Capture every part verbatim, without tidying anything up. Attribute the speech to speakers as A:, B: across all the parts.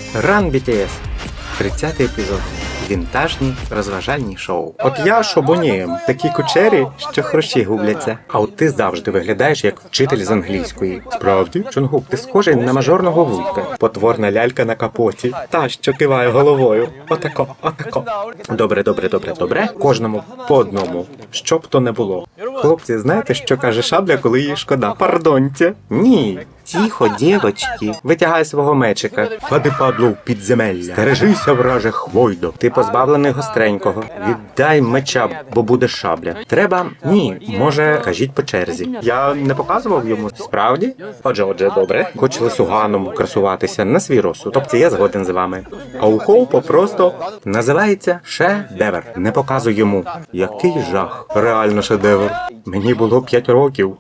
A: Run бі ті ес. тридцятий епізод. Вінтажні розважальні шоу. От я шобонієм, такі кучері, що хрущі губляться. А от ти завжди виглядаєш як вчитель з англійської. Справді? Чонгук, ти схожий на мажорного вуйка. Потворна лялька на капоті. Та, що киває головою. Отако, отако. Добре, добре, добре, добре. Кожному по одному. Що б то не було. Хлопці, знаєте, що каже Шабля, коли їй шкода? Пардоньте. Ні. Тихо, дівочки. Витягай свого мечика. Пади, падло, в підземелля. Стережися, враже, хвойдо. Ти позбавлений гостренького. Віддай меча, бо буде Шабля. Треба? Ні. Може, кажіть по черзі. Я не показував йому справді? Отже, отже, добре. Хоч лисуганом красуватися на свій розсуд. Тобто я згоден з вами. А у Хоупа просто називається шедевр. Не показуй йому. Який жах. Реально шедевр. Мені було п'ять років.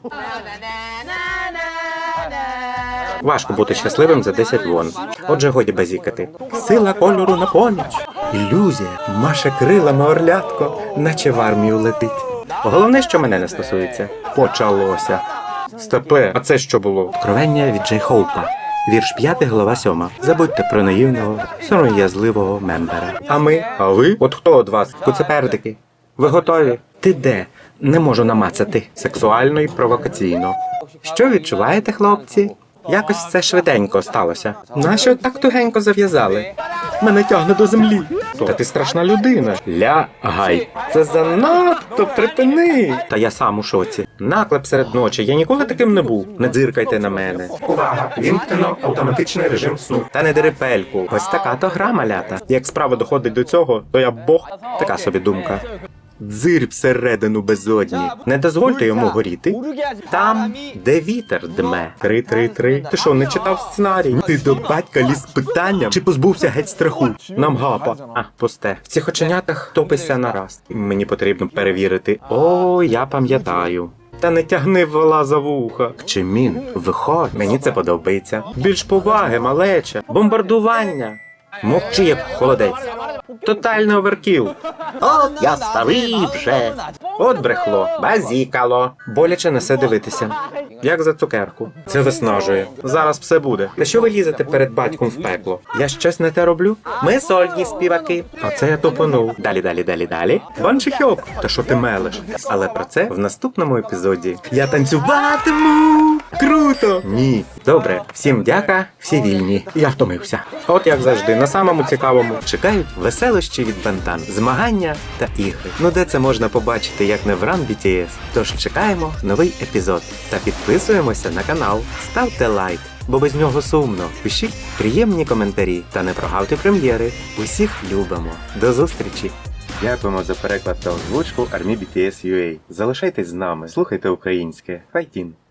A: Важко бути щасливим за десять вон. Отже, годі базікати. Сила кольору на поміч. Ілюзія маше крилами орлятко, наче в армію летить. Головне, що мене не стосується. Почалося. Стопе, а це що було? Откровення від Джей Хоупа. Вірш п'ятий, глава сьома. Забудьте про наївного, сором'язливого мембера. А ми? А ви? От хто од вас? Куцепердики? Ви готові? Ти де? Не можу намацати. Сексуально і провокаційно. Що відчуваєте, хлопці? Якось це швиденько сталося. Нащо так тугенько зав'язали? Мене тягне до землі. Та ти страшна людина. Лягай. Це занадто, припини. Та я сам у шоці. Наклеп серед ночі. Я ніколи таким не був. Не дзиркайте на мене. Увага! Вімкнено автоматичний режим сну. Та не дери пельку. Ось така то гра, малята. Як справа доходить до цього, то я бог. Така собі думка. Дзирь всередину безодні. Не дозвольте йому горіти. Там, де вітер дме. Три-три-три. Ти що, не читав сценарій? Ти до батька ліз з питанням? Чи позбувся геть страху? Нам гапа. А, пусте. В цих оченятах топися нараз. Мені потрібно перевірити. О, я пам'ятаю. Та не тягни вола за вуха. Кчемін, виходь. Мені це подобається. Більш поваги, малеча. Бомбардування. Мовчи, як холодець. Тотальний оверкіл. От я старий вже. От брехло, базікало. Боляче несе дивитися. Як за цукерку. Це виснажує. Зараз все буде. Та що ви лізете перед батьком в пекло? Я щось не те роблю? Ми сольні співаки. А це я топонув. Далі, далі, далі, далі. Баншихьоп. Та що ти мелиш? Але про це в наступному епізоді. Я танцюватиму. Круто. Ні. Добре. Всім дяка, всі вільні. Я втомився. От як завжди, на самому цікавому чекають веселощі від Бентан, змагання та ігри. Ну де це можна побачити, як не в Run бі ті ес? Тож чекаємо новий епізод. Та підписуємося на канал, ставте лайк, бо без нього сумно. Пишіть приємні коментарі та не прогавте прем'єри. Усіх любимо. До зустрічі! Дякуємо за переклад та озвучку Army бі ті ес ю ей. Залишайтесь з нами, слухайте українське. Файтін!